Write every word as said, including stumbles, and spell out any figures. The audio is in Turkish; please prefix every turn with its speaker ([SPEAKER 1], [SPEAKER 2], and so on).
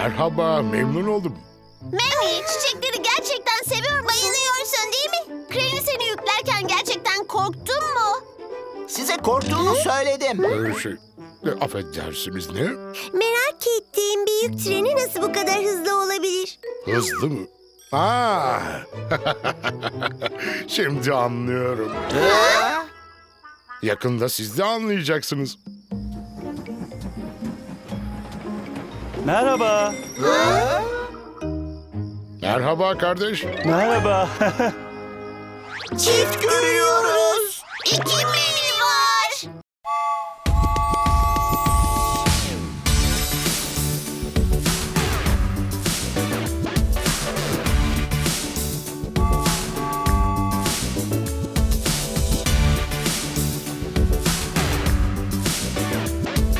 [SPEAKER 1] Merhaba, memnun oldum.
[SPEAKER 2] Memi, çiçekleri gerçekten seviyor musun? Bayılıyorsun değil mi? Crane seni yüklerken gerçekten korktun mu?
[SPEAKER 3] Size korktuğunu söyledim.
[SPEAKER 1] Ee, şey, e, affedersiniz ne?
[SPEAKER 2] Merak ettiğim büyük treni nasıl bu kadar hızlı olabilir?
[SPEAKER 1] Hızlı mı? Aa, şimdi anlıyorum.
[SPEAKER 3] Ha?
[SPEAKER 1] Yakında siz de anlayacaksınız.
[SPEAKER 4] Merhaba.
[SPEAKER 1] Merhaba kardeş.
[SPEAKER 4] Merhaba.
[SPEAKER 3] Çift görüyorum.